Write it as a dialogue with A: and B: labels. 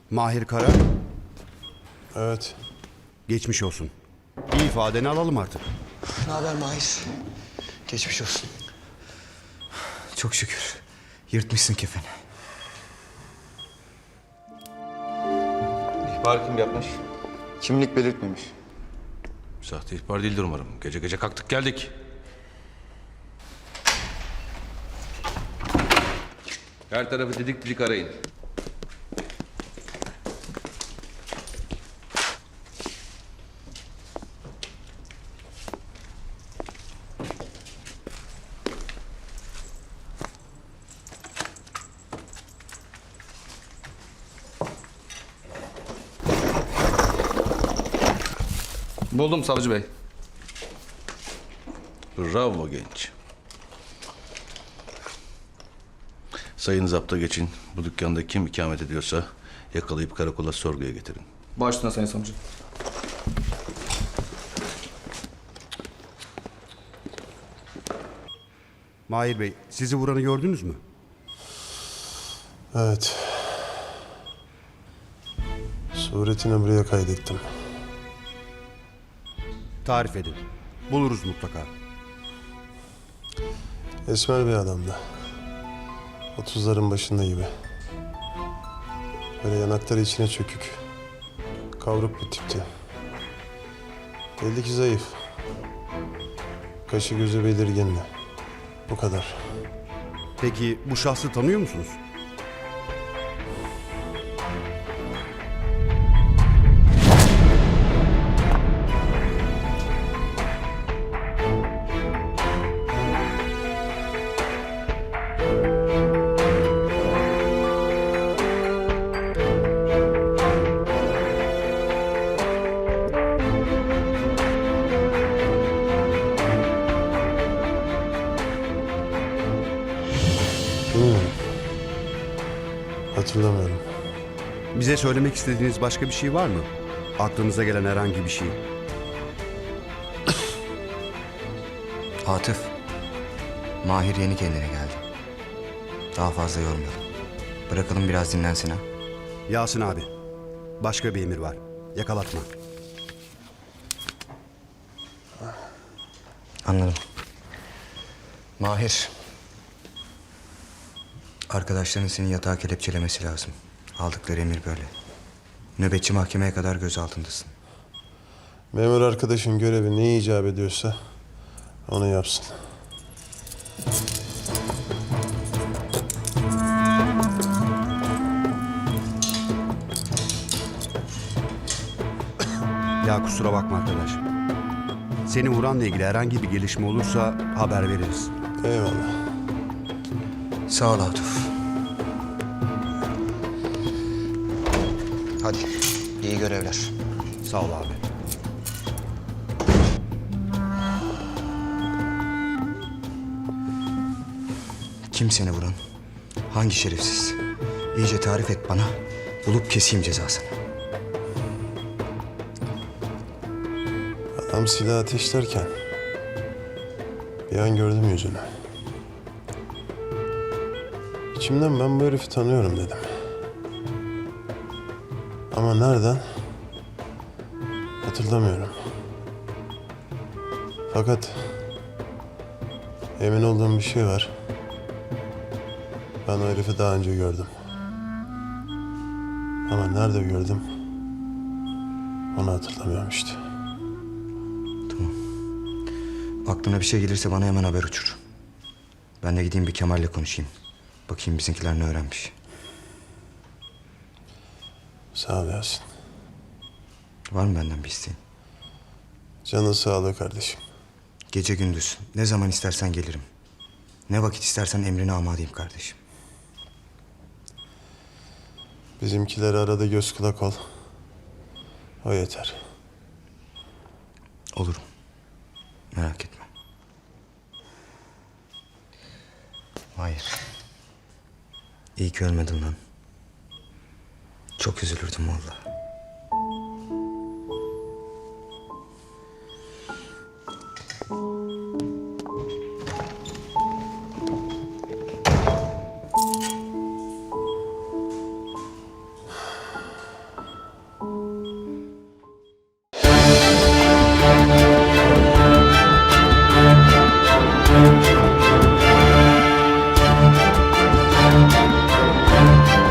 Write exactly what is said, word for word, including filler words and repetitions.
A: Mahir Kara,
B: Evet.
A: geçmiş olsun. Bir ifadeni alalım artık.
C: Ne haber Mahir? Geçmiş olsun.
D: Çok şükür. Yırtmışsın kefeni.
E: İhbar kim yapmış?
C: Kimlik belirtmemiş.
E: Sahte ihbar değildir umarım. Gece gece kalktık geldik. Her tarafı didik didik arayın. Buldum savcı bey. Bravo genç. Sayın zapta geçin. Bu dükkanda kim ikamet ediyorsa yakalayıp karakola sorguya getirin.
F: Başüstüne Sayın Savcı.
A: Mahir Bey, sizi vuranı gördünüz mü?
B: Evet. Suretini buraya kaydettim.
A: Tarif edin. Buluruz mutlaka.
B: Esmer bir adamdı. Otuzların başında gibi. Böyle yanakları içine çökük. Kavruk bir tipti. Belli ki zayıf. Kaşı gözü belirgindi. Bu kadar.
A: Peki bu şahsı tanıyor musunuz?
B: Bilmiyorum. Hatırlamıyorum.
A: Bize söylemek istediğiniz başka bir şey var mı? Aklınıza gelen herhangi bir şey.
D: Atıf. Mahir yeni kendine geldi. Daha fazla yormayalım. Bırakalım biraz dinlensin ha.
A: Yasin abi, başka bir emir var. Yakalatma.
D: Anladım. Mahir. Arkadaşların seni yatağa kelepçelemesi lazım. Aldıkları emir böyle. Nöbetçi mahkemeye kadar gözaltındasın.
B: Memur arkadaşın görevi ne icap ediyorsa onu yapsın.
A: Ya kusura bakma arkadaş. Seni vuranla ilgili herhangi bir gelişme olursa haber veririz.
B: Eyvallah.
D: Sağ ol Atıf. Hadi. İyi görevler.
A: Sağ ol abi.
D: Kim seni vuran? Hangi şerefsiz? İyice tarif et bana. Bulup keseyim cezasını.
B: Adam silah ateşlerken bir an gördüm yüzünü. İçimden ben bu herifi tanıyorum dedim. Ama nereden? Hatırlamıyorum. Fakat emin olduğum bir şey var. Ben o herifi daha önce gördüm. Ama nerede gördüm? Onu hatırlamıyorum işte.
D: Aklına bir şey gelirse bana hemen haber uçur. Ben de gideyim bir Kemal'le konuşayım. Bakayım bizimkiler ne öğrenmiş.
B: Sağ ol Yasin.
D: Var mı benden bir isteğin?
B: Canın sağlığı kardeşim.
D: Gece gündüz ne zaman istersen gelirim. Ne vakit istersen emrine amadeyim kardeşim.
B: Bizimkileri arada göz kulak ol. O yeter.
D: Olurum. Merak etme. Hayır. İyi ki ölmedin lan. Çok üzülürdüm vallahi.